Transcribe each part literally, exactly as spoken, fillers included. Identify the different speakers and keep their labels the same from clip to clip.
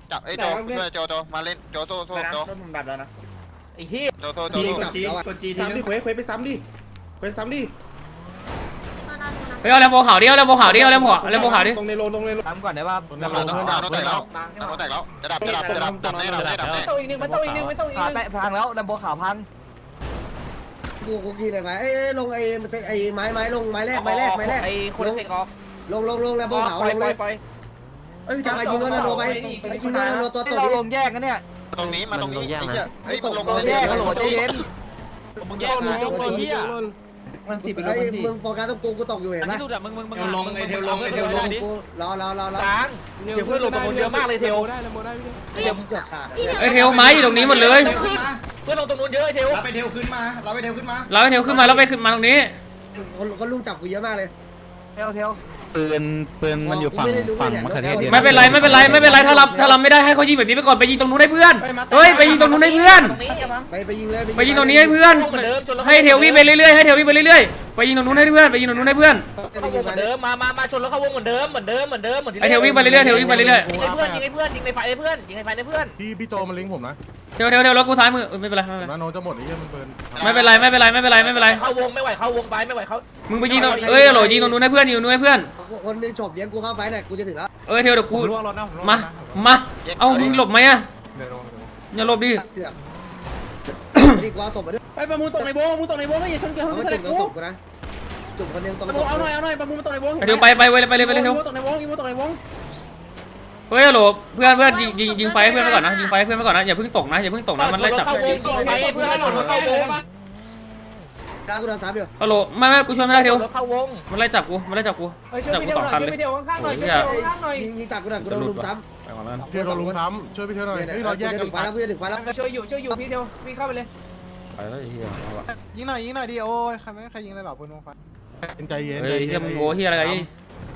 Speaker 1: จับไอ้โจช่วยโจโจมาเล่นโจโซ่โซ่โจผมดับแล้วนะไอ้เหี้ยโจโซ่โจโซ่
Speaker 2: จีกดจีทีนึงเควสเควสไปซ้ำดิเควสซ้ำดิ
Speaker 3: เฮ้ยเอาแลมโบขาวดิเอาแลมโบขาวดิเอาแลมโบแลมโบขาวดิ
Speaker 2: ตรงในโลตรงในโล
Speaker 4: ทำก่อนได้ป่ะ
Speaker 1: น้ำเราต้องน้ำเราแตกแล้วน้ำเราแตกแล้วจะดับจะดับจะดับดับแน่ดับแน่ดับแน่
Speaker 4: ต้องอีกนึงไม่ต้องอีกนึงไม่ต้องอีกนึงแปะพังแล้วลำโบขาวพัง
Speaker 5: กูกูกินอะไรไหมเอ้ยลงไอ้ไอ้ไม้ไม้ลงไม้แรกไม้แรกไม้แรก
Speaker 4: ไอ้คนเสกออก
Speaker 5: ลงลงลงแล้วโบขาวลงเลยเอ้ยจะไปยิงโดนโดนไปไปยิงโดนโดนตัวตัว
Speaker 4: เราลงแยกกันเนี่ย
Speaker 1: ตรงนี้มาตรงนี้ไอ้เหี้ยไอ้ตรงลง
Speaker 4: ลงแยกกันโหลดใจเย็น
Speaker 1: มึงแยกมึงยกไปเหี้ย
Speaker 4: มันสิบ
Speaker 5: ไอ้มึงโฟกัสตรงกูกูตกอยู่เห็นไหม
Speaker 1: ที่สุดอะมึงมึงมึง
Speaker 2: เทลลงไอเทลลงไอเทลลง
Speaker 5: กูรอรอรอรอ
Speaker 4: ล้างเดี๋ยวเพื่อนลงตรงนู้นเยอะมากเลยเทล
Speaker 2: ได้แล้วโมได้พี่
Speaker 5: เดี๋ยวมึงเกือบขาด
Speaker 3: ไอ้เทลไม้อยู่ตรงนี้หมดเลย
Speaker 4: เพื่อนลงตรงนู้นเยอะเทล
Speaker 2: เราไปเทลขึ้นมาเราไปเทลขึ้นมา
Speaker 3: เราไอ้เทลขึ้นมาแล้วไปขึ้นมาตรงนี้
Speaker 5: คนคนลุงจับกูเยอะมากเลย
Speaker 4: เทลเทล
Speaker 6: ปืนปืนมันอยู่ฝั่งฝั่งมะเขือเทศเดียว
Speaker 3: ไม่เป็นไรไม่เป็นไรไม่เป็นไรถ้ารับถ้ารับไม่ได้ให้เขายิงแบบนี้ไปก่อนไปยิงตรงนู้นให้เพื่อนเฮ้ยไปยิงตรงนู้นให้เพื่อน
Speaker 5: ไปไปยิงเลย
Speaker 3: ไปยิงตรงนี้ให้เพื่อนให้เทลวิ่งไปเรื่อยๆให้เทลวิ่งไปเรื่อยๆไปยิงตรงนู้นให้เพื่อนไปยิงตรงนู้นให้เพื่อน
Speaker 4: เข้าวงเหมือนเดิมมามามาชนแล้วเข้าวงเหมือนเดิมเหมือนเดิมเหมือนเดิมเหมือนที่
Speaker 3: ไอเทลวิ่งไปเรื่อยๆเทลวิ่งไปเรื่อย
Speaker 4: ยิงให้เพื่อนยิงให้เพื่อนยิงในไฟให้เพื่อนยิงในไฟให้เพื่อน
Speaker 7: พี่พี่โจมันลิงก์ผมนะ
Speaker 3: ๆเทลเทลเทลแล้วกูซ้ายมือไม่เป็นไรไม่เป็นไร
Speaker 7: นาโนจะหมดไอ้เหี้ยมันเบิร์น
Speaker 3: ไม่เป็นไรไม่เป็นไรไม่เป็นไรไม่เป็นไร
Speaker 4: เข้าวงไม่ไหวเข้าวงไปไม่ไหวเขา
Speaker 3: มึงไปยิงตรงเอ้ยโหลยิงตรงนู้นให้เพื่อนยิงตรงนู้นให้เพื่อน
Speaker 5: คนนึงฉกเลี้ยงกูเข้าไปเนี่ยกูจะถึงแล้ว
Speaker 3: เอ้ยเทลเดี๋ยวกูมามาเอามึงหลบไหมอะอย่าหลบดิ
Speaker 5: ดีกว่าส่งมาด้วย
Speaker 2: ไปประมูลตกในโบประมูลตกในโบไม่อย่าชนเกี่ยว
Speaker 5: เอา
Speaker 2: กับ
Speaker 5: มา
Speaker 2: ทะเล
Speaker 5: จุ่ม
Speaker 2: กู
Speaker 5: ตกกูนะจุ่มคนนึงตรง
Speaker 2: เอาหน่อยเอาหน่อยประมูลตกในโบ
Speaker 3: ไอเทลไปไปไปเลยไปเลยไปเลยเทล
Speaker 2: ตกในโบอีโมตกในโบ
Speaker 3: เฮ้ยโหลเพื่อนเพื่อนยิงยิงยิงไฟให้เพื่อนไปก่อนนะยิงไฟให้เพื่อนไปก่อนนะอย่าเพิ่งตกนะอย่าเพิ่งตกนะมันไล่จับ
Speaker 4: เข้าวงยิงไฟให้เพื่อนชนแล้วเข้าวง
Speaker 5: กลางกูโดนสามอยู่
Speaker 3: ฮัลโหลไม่ไม่กูช่วยไม่ได้เทล
Speaker 4: แล้วเข้าวง
Speaker 3: มันไล่จับกูมันไล่จับกูจับกูสองคันเลย
Speaker 5: ยิงยิงตักกูหน่อยกูโดนลุมซ้
Speaker 3: ไปก่อนแล้ว
Speaker 7: พี่โดนลุงซ้ำช่วยพี่เทหน่อยเฮ้ยเราแยกกัน
Speaker 5: ถึงไฟแล้วกูจะถึงไฟแล้ว
Speaker 4: ช่วยอยู่ช่วยอยู่พี่เดียวพี่เข้าไปเลย
Speaker 3: ไปแล้วไอ้เหี้ยเอาวะ
Speaker 7: ยิงหน่อยยิงหน่อยดิโอ้ยใครไม่ใครยิงอะไรหรอปืนลงไฟใจเย็น
Speaker 3: เฮ้ยเหี้ยมึงโง่เหี้ยอะไรกันนี่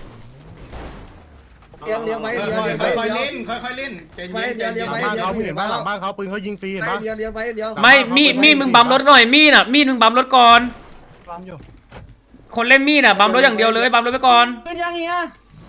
Speaker 5: เลี้ยงเลี้ยงไว้เลี้ยง
Speaker 2: ค่
Speaker 5: เลี้ยงไว้
Speaker 2: อยๆ
Speaker 5: เลี้ย
Speaker 2: เล่
Speaker 5: ง
Speaker 2: นค่อยๆเล่นใจ
Speaker 5: ไว้
Speaker 2: เย็น
Speaker 5: เลี้ยง
Speaker 2: ใจ
Speaker 5: เลี้ยง
Speaker 2: เย็น
Speaker 5: ไว้
Speaker 7: บ้านเขาเห็นบ้านหลังบ้านเขาปืนเขายิงฟรีเห็นปะ
Speaker 5: เลี้ยงเลี้ยงไว้เลี้ยง
Speaker 3: ไม่มีดมีดมึงบัมรถหน่อยมีดอ่ะมีดมึงบัมรถก่อน
Speaker 7: ปั๊มอยู่
Speaker 3: คนเล่นมีดอ่ะบัมรถอย่างเดียวเลยบัมรถไปก่อน
Speaker 2: เป็นยังไงอ่ะ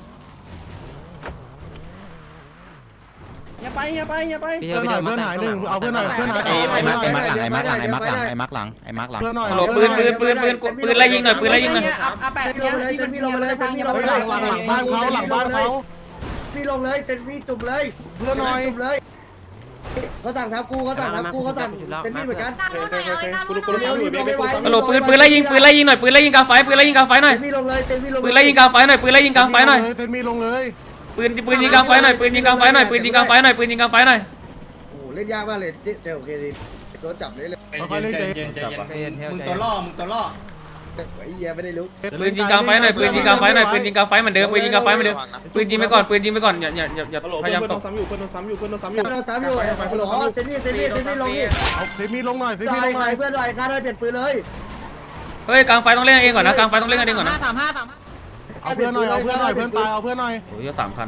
Speaker 2: อย่าไปอย่าไปอย่าไป
Speaker 7: เพื่อนหน่อยเพื่อนหายหนึ่งเอาเพื่อนหน่อยเพื่อนหาย
Speaker 6: ไอ้ไอ้มาร์คไอ้มาร์คหลังไอ้มาร์คหลังไอ้มาร์คหลังไอ้มาร์คหลังไอ้มาร์คหลัง
Speaker 7: เพื่อนหน่อย
Speaker 3: ฮัลโหลปืนปืนปืนปืนปืนไล่ยิงหน่อยปืนไล่ยิงหน่อย
Speaker 2: อาแปด
Speaker 5: พี่ลงเลยเซนพี่ลงเลยเซนพี่ลง
Speaker 7: เฮ้ย
Speaker 5: เล
Speaker 7: หลั
Speaker 5: ย
Speaker 7: งหลังหลังบ้านเขาหลังบ้านเขา
Speaker 5: พี่ลงเลยเซนพี่จุ่มเลย
Speaker 7: เพื่อนหน่อย
Speaker 5: จุ่มเลยเขาสั่งทับกูเขาสั่งทับกูเขาสั่งเป็นพี่เหมือนกัน
Speaker 2: กูรู้กูรู้ซ้ำอยู่เบย์กูซ้ำ
Speaker 3: ฮัลโหลปืนปืนไล่ยิงปืนไล่ยิงหน่อยปืนไล่ยิงกลางไฟปืนไล่ยิงกลางไฟหน่อย
Speaker 5: พี่ลงเลยเซนพี่ลง
Speaker 3: ปืนไล่ยิงกลางไฟหน่อยปืนไล่ยิงกลางไฟหน่อย
Speaker 7: เซนมีลงเลย
Speaker 3: ปืนปืนยิงกลางไฟหน่อยปืนยิงกลางไฟหน่อยปืนยิงกลางไฟหน่อยปืนยิงกลางไฟหน่อย
Speaker 5: โอ้เล่นยากมากเลยเจอโอเคดีโดนจับเลยเลย
Speaker 2: ใจเย็นใจเย็นใจเย็นมึงตัวล่อมึงตัวล่อ
Speaker 5: ไอ้เหี้ยไม่ได้รู้
Speaker 3: ปืนยิงกลางไฟหน่อยปืนยิงกลางไฟหน่อยปืนยิงกลางไฟเหมือนเดิมปืนยิงกลางไฟเหมือนเดิมปืนยิงไปก่อนปืนยิงไปก่อนอย่าอย่าอย่าอย่า
Speaker 2: ฮัลโหล
Speaker 3: พยายาม
Speaker 2: เพื่อน
Speaker 3: ต
Speaker 2: โด
Speaker 3: ก
Speaker 2: นซ้ำอยู่เพื่อนโดนซ้ำอยู่เพื่อนโดนซ้ำอยู่
Speaker 5: เราสามอยู่อ๋อเซนนี่เซนนี่เซนนี่ลงนี่
Speaker 7: เอาเซนมีลงหน่อยเซน
Speaker 5: ห
Speaker 7: มี
Speaker 5: น่
Speaker 7: ล
Speaker 5: อย
Speaker 7: ง
Speaker 5: ห
Speaker 7: ห
Speaker 5: น่
Speaker 7: น่
Speaker 5: อ
Speaker 7: อย ย
Speaker 5: เพื่อนหน่อยค่าได้เปลี่ยนปืนเลย
Speaker 3: เฮ้ยกลางไฟต้องเล่นกันเองก่อนนะกลางไฟต้องเล่นกันเองก่อนนะ
Speaker 7: เอาเพื่อนหน่อยเอาเพื่อนหน่อยเพื่อนตายเอาเพื่อนหน่อย
Speaker 3: โอ้ยสามคัน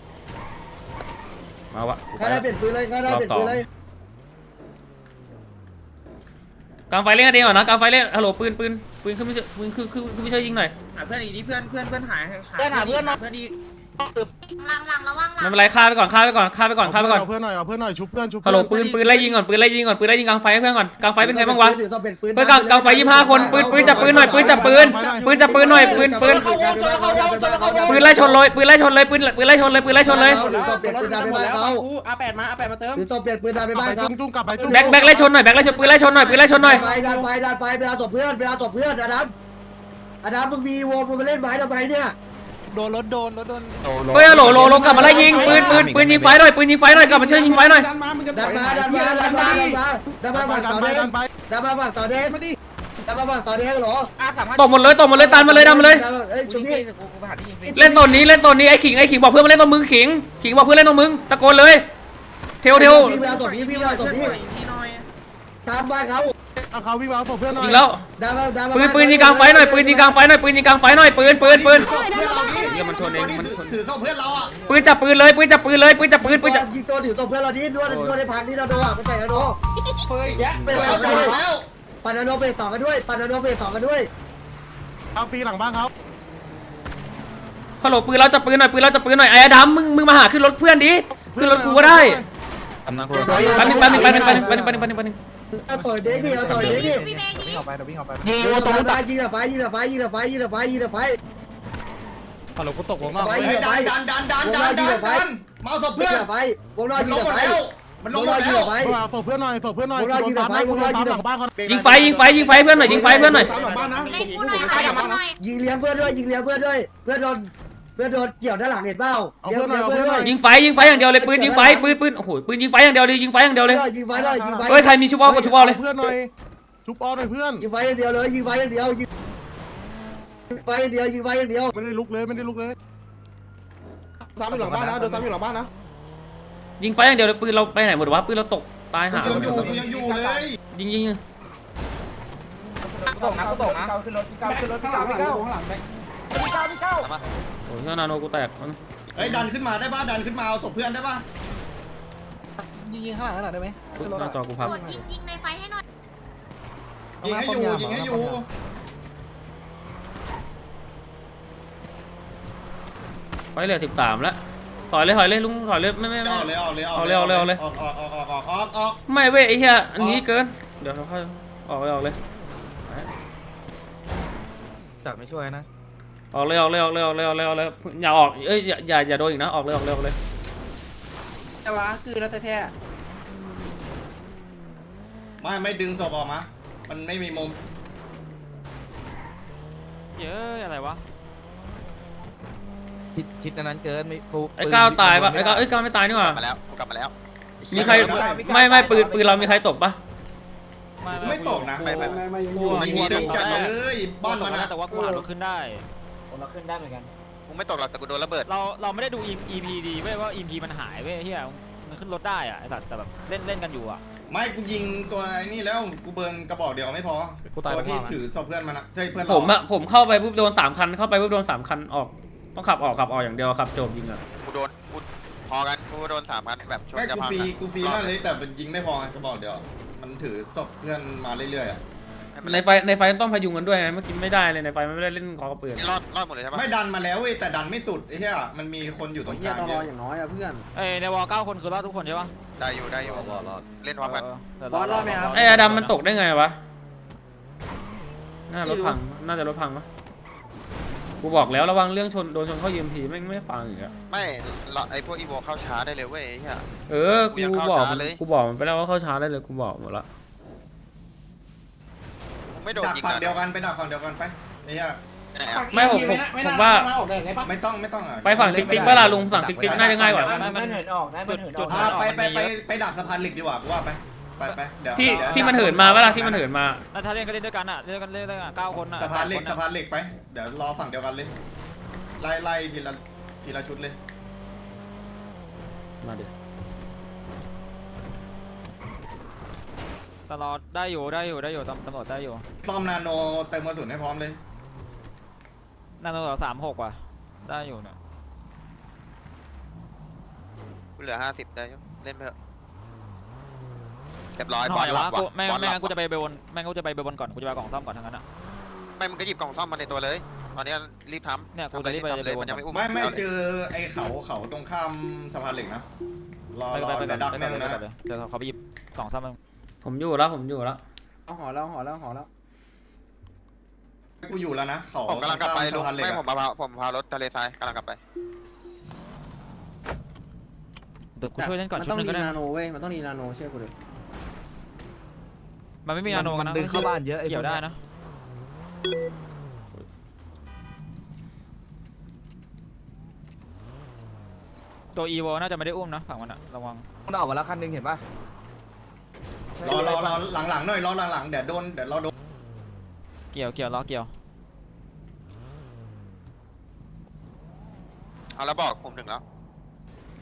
Speaker 3: มาวะ
Speaker 5: ค่าได้เปลี่ยนปืนเลยค่าได้เปลี่ยนปืนเลย
Speaker 3: กลางไฟเล่นกันเองก่อนนะกลางไฟเล่นฮัลโหลปืนปืนปืนขึ้นไม่ใช่ปืนคือคือคือไม่ใช่ยิงหน่อย
Speaker 1: หาเพื่อนอีกนี้เพื่อนเพื่อนเพื่อนหาย
Speaker 4: เพื่อนหาเพื่อนเนาะ
Speaker 1: เพื่อนอีก
Speaker 8: หลังหลังระวังหลัง
Speaker 3: ไม่เป็นไรฆ่าไปก่อนฆ่าไปก่อนฆ่าไปก่อนฆ่าไปก่อน
Speaker 7: เอาเพื่อนหน่อยเอาเพื่อนหน่อยชุบเพื่อนชุบ
Speaker 3: ฮัลโหลปืนปืนไล่ยิงก่อนปืนไล่ยิงก่อนปืนไล่ยิงกลางไฟให้เพื่อนก่อนกลางไฟเป็นไงบ้างวะ
Speaker 5: ถือซอมเป็นปืน
Speaker 3: เพื่อนกลางกลางไฟยี่ห้าคนปืนปืนจับปืนหน่อยปืนจับปืนปืนจับปืนหน่อยปืนปืนปืนไล่ชนเลยปืนไล่ชนเลยปืนปืนไล่ชนเลยปืนไล่ชนเลย
Speaker 5: ถือซอมเปลี่ยนปืนดาไปบ้านเขา
Speaker 2: อาแปดมาอาแปดมาเติม
Speaker 5: ถือซอมเปลี่ยนปืนดาไปบ้านเขา
Speaker 7: จุ้งจุ้งกลับไปจุ้ง
Speaker 3: แบ็คแบ็คไล่ชนหน่อยแบ็คไล่ชนปืนไล่ชนหน่อยปืนไล่ชนหน่อย
Speaker 5: ไปดันไปดันไปไปเอาศพเพื่อนไปเอาศพเพื่อนอดัมอดัมมึงมีวงมึงมาเล่นไม้ทำไมเนี่ย
Speaker 7: โดนรถโดนรถโดน
Speaker 3: เฮ้ยฮัลโหลโหลโหลกลับมาไล่ยิงปืนปืนปืนยิงไฟหน่อยปืนยิงไฟหน่อยกลับมาช่วยยิงไฟหน่อย
Speaker 2: ดันมามึงจะ
Speaker 5: ดันมาดันมาดันมาดันมาดันมาฝั่งเสาแดงดันมาฝั่งเสาแดง
Speaker 2: มาดิ
Speaker 5: ดันมาฝั่งเสาแดงเหรอ
Speaker 3: ตกหมดเลยตกหมดเลยตันมาเลยดันมาเลย
Speaker 5: เอ้ยชุบนี่
Speaker 3: เล่นตอนนี้เล่นตอนนี้ไอ้ขิงไอ้ขิงบอกเพื่อนมาเล่นตรงมึงขิงขิงบอกเพื่อนเล่นตรงมึงตะโกนเลยเทวเทว
Speaker 5: พี่ไปเอาศพนี้พี่ไปเอาศพนี้ตามบ้านเขา
Speaker 7: เอาเขาวิ่งมาเอาศพเพื่อนหน่อย
Speaker 3: ยิงแล้ว
Speaker 5: ดันมาดันมา
Speaker 3: ปืนปืนยิงกลางไฟหน่อยปืนยิงกลางไฟหน่อยปืนยิงกลางไฟหน่อยปืนปืนปืน
Speaker 2: เดี๋ยวมันชนเองมันถือศพเพื่อนเราอ่ะ
Speaker 3: ปืนจับปืนเลยปืนจับปืนเลยปืนจับปืนปืนจับ
Speaker 5: ยิงตัวถือศพเพื่อนเราดิด้วยด้วยในพันที่เราโดนไปใส่เราโดน
Speaker 2: ไปแล้วไปแล้ว
Speaker 5: ปันนาโนไปต่อกันด้วยปันนาโนไปต่อกันด้วย
Speaker 7: เอาฟรีหลังบ้านเขา
Speaker 3: ฮัลโหลปืนเราจับปืนหน่อยปืนเราจับปืนหน่อยไอ้ดำมึงมึงมาหาขึ้นรถเพื่อนดิขึ้นรถกูก็ได้
Speaker 6: กำลังคุ
Speaker 3: แป๊บนึงแป๊บนึงแป๊บนึงแป๊บนึงแป๊บนึงแป๊บนึงแป๊บนึงแป๊บนึง
Speaker 5: เอาต่อยเด็กดิเอาต่อยเด็กดิ
Speaker 8: พี่เบ
Speaker 7: วิ่งออกไปเดี๋ยววิ่งออกไป
Speaker 5: ยิงตรงตายยิงอะไฟยิงอะไฟยิงอะไฟยิงอะไฟยิงอะไฟ
Speaker 7: ฮัลโหลกูตกวงนอก
Speaker 5: ไฟ
Speaker 2: เฮ้ยดันดันดันดันดันดันดันมาเอาศพ
Speaker 5: ยิ
Speaker 2: เพื่
Speaker 5: ง
Speaker 2: อน
Speaker 5: อะไฟวงนอก
Speaker 2: มัน
Speaker 5: ยิ
Speaker 2: ล
Speaker 5: ง
Speaker 2: งหม
Speaker 5: อะ
Speaker 2: ด
Speaker 5: ไฟ
Speaker 2: แล้วมันล
Speaker 5: ว
Speaker 2: ง
Speaker 5: ง
Speaker 2: ห
Speaker 5: น
Speaker 2: ม
Speaker 5: อก
Speaker 2: ด
Speaker 5: ยิง
Speaker 2: แล้ว
Speaker 5: อะไฟ
Speaker 7: ตบเพื่อนหน่อยตบเพื่อนหน่อยหลังบ้านคน
Speaker 3: ยิงไฟยิงไฟยิงไฟเพื่อนหน่อยยิงไฟเพื่อนหน่อย
Speaker 2: สามหลังบ้านนะ
Speaker 8: เล่นกูหน่อยใครอย่ามาหน่อย
Speaker 5: ยิงเลี้ยงเพื่อนด้วยยิงเลี้ยงเพื่อนด้วยเพื่อนโดนเพื่อนโดนเกี่ยวด้านหลังเห็นเปล่าเลี้ยงเพื่อนด้วย
Speaker 3: ยิงไฟยิงไฟอย่างเดียวเลยปืนยิงไฟปืนปืนโอ้โหปืนยิงไฟอย่างเดียวเลยยิงไฟอย่างเดียวเลย
Speaker 5: ยิงไฟเลยยิงไฟ
Speaker 3: เฮ้ยใครมีชุบอลก็ชุบอลเลย
Speaker 7: เพื่อนหน่อยชุบออหน่อยเพื่อน
Speaker 5: ยิงไฟอย่างเดียวเลยยิงไฟอย่างเดียวยิงไฟอย่างเดียวยิงไฟอย่างเดียว
Speaker 7: ไม่ได้ลุกเลยไม่ได้ลุกเลย
Speaker 2: สามอยู่หลังบ้านนะโดนสามอยู่หลังบ้านนะ
Speaker 3: ยิงไฟอย่างเดียวเลยปืนเราไปไหนหมดวะปืนเราตกตายหา
Speaker 2: ยังอยู่ยังอยู่เลย
Speaker 3: ยิงยิง
Speaker 4: กูตกนะกูตกนะขึ้นรถพี่เก้าขึ้นรถพี่เก้าพี่เก้าพี่เก้าพี่เก้า
Speaker 3: โอ้ยนาโนกูแตก
Speaker 2: เฮ้ยดันขึ้นมาได้ป่ะดันขึ้นมาเอาศพเพื่อนได้ป่ะ
Speaker 7: ยิงยิงข้างหลังหน่อยได้ไหม
Speaker 3: หน้าจอกูพับ
Speaker 8: กดยิงยิงในไฟให้หน่อย
Speaker 2: ยิงให้อยู่ยิงให้อยู่
Speaker 3: ไฟเหลือสิบสามแล้วถอยเลยถอยเลยลุงถอยเลยไม่ไม่ไม่
Speaker 2: เอาเลยเอาเลย
Speaker 3: เอาเลยเอาเลยเอาเลย
Speaker 2: ออกออกออกออกออกออกออก
Speaker 3: ไม่เว้ยไอ้เหี้ยอันนี้เกินเดี๋ยวเราค่อยออกเลยออกเลย
Speaker 6: จับไม่ช่วยนะ
Speaker 3: ออกเลยออกเลยออกเลยออกเลยออกเลยออกเลยอย่าออกเอ้ยอย่าอย่าอย่าโดนอีกนะออกเลยออกเลยออกเลย
Speaker 2: แต่ว่าคือแล้วแท้ไม่ไม่ดึงศพออกมามันไม่มีมุม
Speaker 4: เยอะอะไรวะ
Speaker 6: คิดคิดอันนั้นเกินไม่ฟู
Speaker 3: ไอ้ก้าวตายปะไอ้ก้าวไอ้ก้าวไม่ตายนี่ห
Speaker 1: ก
Speaker 3: ว่า
Speaker 1: ลับมาแล้วกูกลับมาแล้ว
Speaker 3: มีใครไม่ไม่ปืนปืนเรามีใครตกปะ
Speaker 2: ไม่ตกนะ
Speaker 1: ไปไปไป
Speaker 2: มันมีดึงจัดเลยบ้านมันอะ
Speaker 4: แต่ว่ากูอ่านเราขึ้นได้เราขึ้นได้เหมือนกัน
Speaker 1: กูไม่ตกหรอกแต่กูโดนระเบิด
Speaker 4: เราเราไม่ได้ดู อี พี ดีเว้ยว่า อี พี มันหายเว้ยเฮียมันขึ้นรถได้อะไอ้สัตว์แต่แบบเล่นเล่นกันอยู่อะ
Speaker 2: ไม่กูยิงตัวไอ้นี่แล้วกูเบิร์นกระบอกเดียวไม่พอตัวที่ถือศพเพื่อนมันอะเฮ้ยเพื่อน
Speaker 3: ผมอะผมเข้าไปปุ๊บโดนสามคันเข้าไปปุ๊บโดนสามคันออกต้องขับออกขับออกอย่างเดียวขับโจมยิงอะ
Speaker 1: กูโดนกูพอกันกูโดนสามพันแบบชน
Speaker 2: ไม่
Speaker 1: กระ
Speaker 2: กู
Speaker 1: พัง
Speaker 2: ฟรีกูฟรีมากเลยแต่มันยิงไม่พอกระบอกเดียวมันถือศพเพื่อนมาเรื่อยๆอะ
Speaker 3: ในไฟในไฟต้องพยุงกันด้วยไงเมื่อกี้ไม่ได้เลยในไฟมันไม่ได้เล่นคอกระปืน
Speaker 1: นี่รอดรอดหมดเลยใช่ปะ
Speaker 2: ไม่ดันมาแล้วเว้ยแต่ดันไม่สุดไอ้เหี้ยมันมีคนอยู่ตรงกลางเยอะ
Speaker 5: อย่างน้อยอะเพื่อน
Speaker 4: เอ้ยในวอลเก้าคนคือรอดทุกคนใช่ปะ
Speaker 1: ได้อยู่ได้อยู่เล่นพร้อมกัน
Speaker 5: บอสรอดไหมครับ
Speaker 3: ไอ้อดัมมันตกได้ไงวะน่ารถพังน่าจะรถพังปะกูบอกแล้วระวังเรื่องชนโดนชนเข้ายีเอ็มพีไม่ไม่ฟังอีกอะ
Speaker 1: ไม่เราไอพวกอีโวเข้าช้าได้เลยเว้ยไอ้เหี้ย
Speaker 3: เออกูบอกมันกูบอกมันไปแล้วว่าเข้าช้าได้เลยกูบอกหมดละ
Speaker 1: กูไม่โดน
Speaker 2: ดัก
Speaker 1: ยิง
Speaker 2: ฝั่ง
Speaker 1: นะ
Speaker 2: เดียวกันไปดักฝั่งเดียวกันไปไอ้เหี้ย
Speaker 1: ไปไหนอะ
Speaker 3: ไม่ผมผมผมว่า
Speaker 2: ไม่ต้องไม่ต้องอะ
Speaker 3: ไปฝั่งติ๊กติ๊กเวลาลุงฝั่งติ๊กติ๊กน่าจะง่ายกว่า
Speaker 4: ไม่มันเหินออกนะมันเหินออก
Speaker 2: อ่าไปไปไปไปดักสะพานเหล็กดีกว่ากูว่าไปไปไปเดี๋ยว
Speaker 3: ที่
Speaker 2: เดี๋ยว
Speaker 3: ที่มันเหินมาเวลาที่มันเหินมา
Speaker 4: แล้วถ้าเล่นก็เล่นด้วยกันอะเล่นด้วยกันเล่นด้วยกันเก้าคนอะ
Speaker 2: สะพานเหล็กสะพานเหล็กไปเดี๋ยวรอฝั่งเดียวกันเลยไล่ไล่ทีละทีละชุดเลย
Speaker 3: มาดิ
Speaker 4: ตลอดได้อยู่ได้อยู่ได้อยู่ตำรวจได้อยู่
Speaker 2: ซ่อมนาโนเติมกระสุนให้พร้อมเลย
Speaker 4: นั่นตำรวจสามหกว่ะได้อยู่เนี่ย
Speaker 1: กูเหลือห้าสิบได้อยู่เล่นไปเถอะเรียบร้อย
Speaker 4: ห
Speaker 1: บ
Speaker 4: น่
Speaker 1: อ
Speaker 4: อ
Speaker 1: ล
Speaker 4: ย
Speaker 1: หลั
Speaker 4: วะ
Speaker 1: บ
Speaker 4: กู
Speaker 1: ว่ะ
Speaker 4: แม่ง
Speaker 1: บอลห
Speaker 4: แม่
Speaker 1: ลั
Speaker 4: ง
Speaker 1: บ
Speaker 4: กูจะไปเบลบนแม่งกูจะไปเบลบนก่อนกูจะไปกล่องซ่อมก่อนทั้งนั้นอะ
Speaker 1: ไม่มึงก็หยิบกล่องซ่อมมาในตัวเลยตอนนี้รีบทำ
Speaker 4: เนี่ยกู
Speaker 1: ทำ
Speaker 4: จะรีบไป
Speaker 1: ทำเลย
Speaker 4: เบลบ
Speaker 1: มัน
Speaker 4: น
Speaker 1: ยังไม่อุ้ม
Speaker 2: ไม่ไม่
Speaker 1: าลย
Speaker 2: เจอไอ้เขาเขาตรงข้ามสะพานเหล็กนะรอ
Speaker 4: ไป
Speaker 2: รอ
Speaker 4: ไปไป
Speaker 2: เดี๋ยวดัก
Speaker 4: ไป
Speaker 2: แม่ง
Speaker 4: ไป
Speaker 2: นะ
Speaker 4: ไปเดี๋ยวเขาไปหยิบกล่องซ่อมมึง
Speaker 3: ผมอยู่แล้วผมอยู่แล้ว
Speaker 5: เอาหอแล้วหอแล้วหอแล้ว
Speaker 2: กูอยู่แล้วนะเขา
Speaker 1: ผมกำลังกลับไป
Speaker 2: ตร
Speaker 1: ลุง
Speaker 2: งข้ามสะพานเหล็ก
Speaker 1: ไม่
Speaker 2: อะ
Speaker 1: ผมพาผมพารถทะเลทรายกำลังกลับไป
Speaker 4: เดี๋ยวกูช่วยเล่นก่อน
Speaker 5: มัน
Speaker 4: ชุ
Speaker 5: ต้
Speaker 4: ด
Speaker 5: อง
Speaker 4: นึง
Speaker 5: รี
Speaker 4: ก็ได้
Speaker 5: นาโนเว้ยมันต้องรีนาโนเชื่อกูเลย
Speaker 4: มันไม่มีนาโนกันนะ
Speaker 6: ดึงเข้าบ้านเยอะ
Speaker 4: เกี่ยวได้นะตัวอีโวน่าจะไม่ได้อุ้มนะฝั่งมันอะระวัง
Speaker 6: มันออกมาแล้วคันนึงเห็นปะ
Speaker 2: รอรอรอหลังๆหน่อยรอหลังๆเดี๋ยวโดนเดี๋ยวเราโดน
Speaker 4: เกี่ยวเกี่ยวล้อเกี่ยว
Speaker 1: เอาแล้วบอกผมถึงแล้ว